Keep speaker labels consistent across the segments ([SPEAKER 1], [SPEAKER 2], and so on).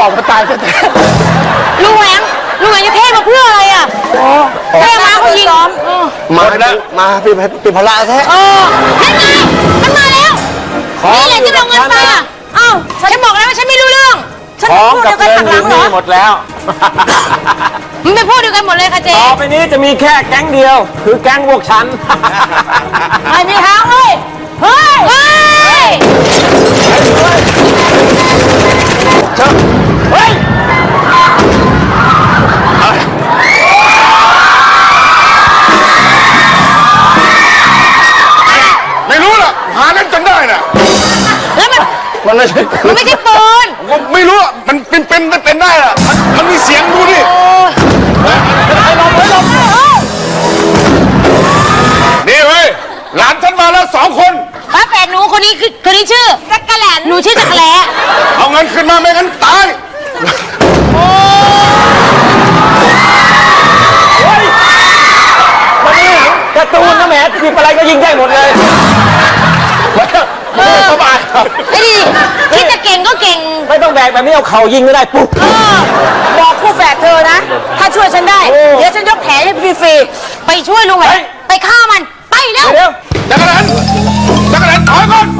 [SPEAKER 1] อกมาตายแท้
[SPEAKER 2] ลุงแหวงจะเท่มาเพื่ออะไรอ่ะเท่มาเขายิง
[SPEAKER 1] มาแล้วมาเป็นพละแท้
[SPEAKER 2] นั่นไงมันมาแล้วนี่แหละที่ลงเงินไปอ่ะอ้าวฉันบอกแล้วว่าฉันไม่รู้เรื่องฉันพูดเดียวกันหักหลังเหรอ
[SPEAKER 3] หมดแล้ว
[SPEAKER 2] มันเป็นพูดเดียวกันหมดเลยค่ะเจ๊
[SPEAKER 3] ต่อไปนี้จะมีแค่แก๊งเดียวคือแก๊งพวกฉัน
[SPEAKER 2] ไม่มีทางเลยเฮ้ย
[SPEAKER 1] ไม่รู้ล่ะหาเล่นจนได้น่ะ
[SPEAKER 2] แล้วมันไม่ใช่ปืน
[SPEAKER 1] ไม่รู้มันเป็นได้ล่ะมันมีเสียงดูดินี่เว้ยหลานฉันมาแล้ว2 คน
[SPEAKER 2] ป้าแฝดหนูคนนี้ชื่อจักรแหลนหนูชื่อจักรแหล
[SPEAKER 1] เอาเงินขึ้นมาไม่งั้นตาย
[SPEAKER 3] วันนี้การ์ตูนนะแหมหยิบอะไรก็ยิงได้หมดเลย
[SPEAKER 2] สบายไอ้ดิคิดจะเก่งก็เก่ง
[SPEAKER 3] ไม่ต้องแบกแบบนี้เอาเข่ายิงก็ได้ปุ๊บ
[SPEAKER 2] บอกคู่แฝดเธอนะถ้าช่วยฉันได้เดี๋ยวฉันยกแผลให้ฟรีๆไปช่วยลุงแหวงไปฆ่ามันไปเร็ว
[SPEAKER 1] จักรแหลนถอยก่อน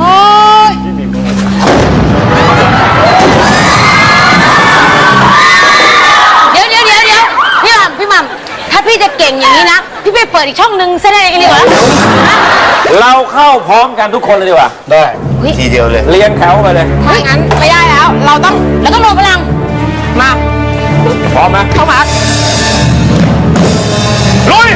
[SPEAKER 2] เดี๋ยวพี่หม่ำถ้าพี่จะเก่งอย่างนี้นะพี่ไปเปิดอีกช่องนึงแสดงเองดีกว่า
[SPEAKER 3] เราเข้าพร้อมกันทุกคนเลยดีกว่า
[SPEAKER 1] ได้ทีเดียวเลย
[SPEAKER 3] เรียงแถวไปเลย
[SPEAKER 2] ถ้างั้นไม่ได้แล้วเราต้องรวมพลังมา
[SPEAKER 3] พร้อมไหม
[SPEAKER 2] เข้ามา
[SPEAKER 1] ลุย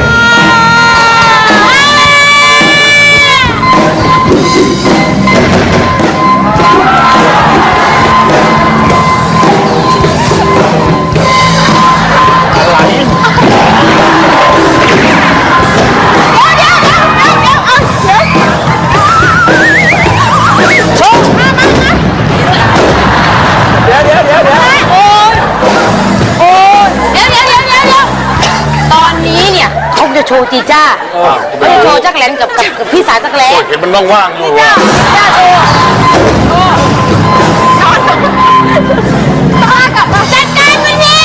[SPEAKER 2] โชว์จีจ้าเขาจะโชว์จักรแหลนกับพี่สาวจักรแหลน
[SPEAKER 1] เห็นมันว่างๆอยู่
[SPEAKER 2] จ้าโชว์ต่อกับจัดการมันนี่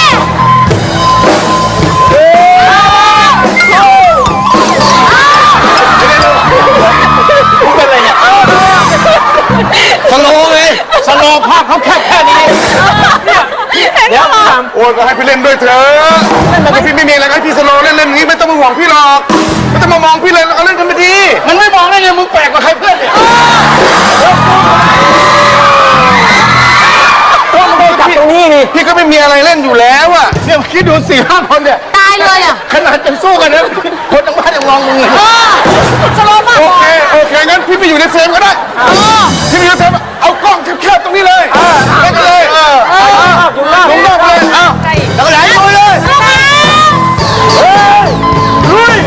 [SPEAKER 3] เป็นอะไรเนี่ย
[SPEAKER 1] สโลว์เลย
[SPEAKER 3] สโลว์ภาพเขาแค่นี้เดี๋ยว
[SPEAKER 1] โอ้ยก็ให้พี่เล่นด้วยเถอะพี่ไม่มีอะไรให้พี่สโลว์เล่นอย่างนี้ไม่ต้องมาห่วงพี่หรอกไม่ต้องมามองพี่เลยเอาเล่นกันไปดีมันไม่มองได้ไงมึงแปลกกว่าใครเพื่อนเนี่ย
[SPEAKER 3] ก็ไม่ได้จับตรงนี้นี่
[SPEAKER 1] พี่ก็ไม่มีอะไรเล่นอยู่แล้วอ่ะเนี่ยคิดดู4-5 คนเนี่ย
[SPEAKER 2] ตายเลยอ่ะ
[SPEAKER 1] ขนาดจะสู้กันนะคนทั้งบ้านยังมองมึงเลย
[SPEAKER 2] สโลว์มาก
[SPEAKER 1] โอเคงั้นพี่ไปอยู่ในเฟรมก็ได้พี่ไปอยู่ในเฟรมเอากล้องแคบๆตรงนี้เลยเล่นกันเลยลงรอบเลยแล้วก็ไหลลุยเลยลุย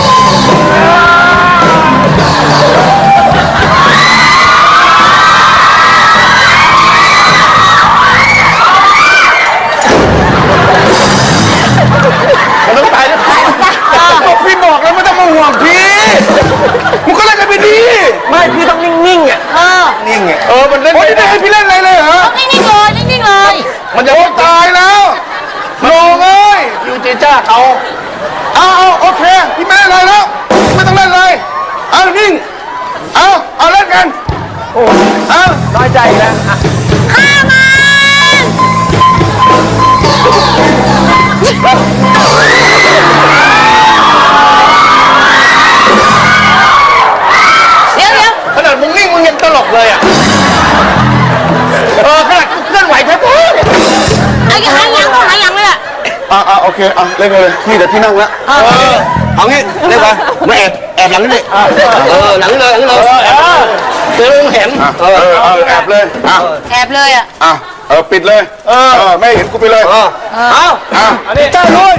[SPEAKER 1] มันต้องตายนะพี่บอกแล้วไม่ต้องมาห่วงพี่มึงก็เล่นกันไปดี
[SPEAKER 3] ไม่พี่ต้องนิ่งๆอ่ะ
[SPEAKER 1] นิ่งไงมันเล่นไม่ได้ให้พี่เล่นอะไรเลยเหรอ
[SPEAKER 2] นิ่งเลย
[SPEAKER 1] มันจะตายแล้วลงเลยยูเจจ้าเขาเอาโอเคพี่ไม่เล่นอะไรแล้วไม่ต้องเล่นเลยเอานิ่งเอาเล่นกัน
[SPEAKER 3] น้อยใจแล้ว
[SPEAKER 2] ฆ่ามันเดี๋ยว
[SPEAKER 1] ขนาดมึงนิ่งมึงยังตลกเลยอ่ะขนาดเคลื่อนไหวแค่ปุ๊บ
[SPEAKER 2] หายยังเลยอ่ะ
[SPEAKER 1] โอเคเล่นกันเลยพี่เดี๋ยวพี่นั่งแล้วเอางี้เล่นไปมาแอบหลังนี่หลังเลยเจอเห็นแอบเลยอ่ะปิดเลยไม่เห็นกูไปเลย
[SPEAKER 3] อันนี้เจ้าลุย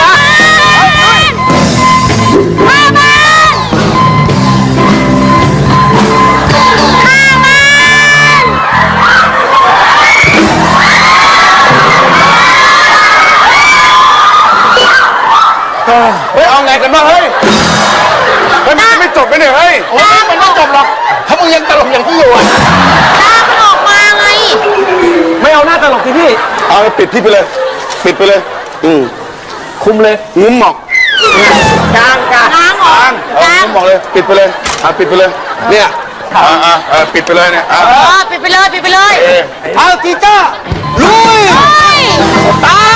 [SPEAKER 1] เอาไงกันบ้างเฮ้ยมันไม่จบไปเนี่ยเฮ้ยมันไม่จบหรอกถ้ามึงยังตลกอย่างที่อยู่
[SPEAKER 2] ตามันออกมาไง
[SPEAKER 3] ไม่เอาหน้าตลกสิพี่
[SPEAKER 1] เอาปิดที่ไปเลย ปิดไปเลย
[SPEAKER 3] คุมเลย
[SPEAKER 1] งุ้มหมอก
[SPEAKER 3] กลาง
[SPEAKER 2] ล้างออก
[SPEAKER 1] งุ้มหมอกเลย ปิดไปเลยปิดไปเลย เนี่ยปิดไปเลยเนี่ย
[SPEAKER 2] ปิดไปเลย
[SPEAKER 1] เอาจีจ้าลุย
[SPEAKER 2] เฮ้ย
[SPEAKER 1] ตาย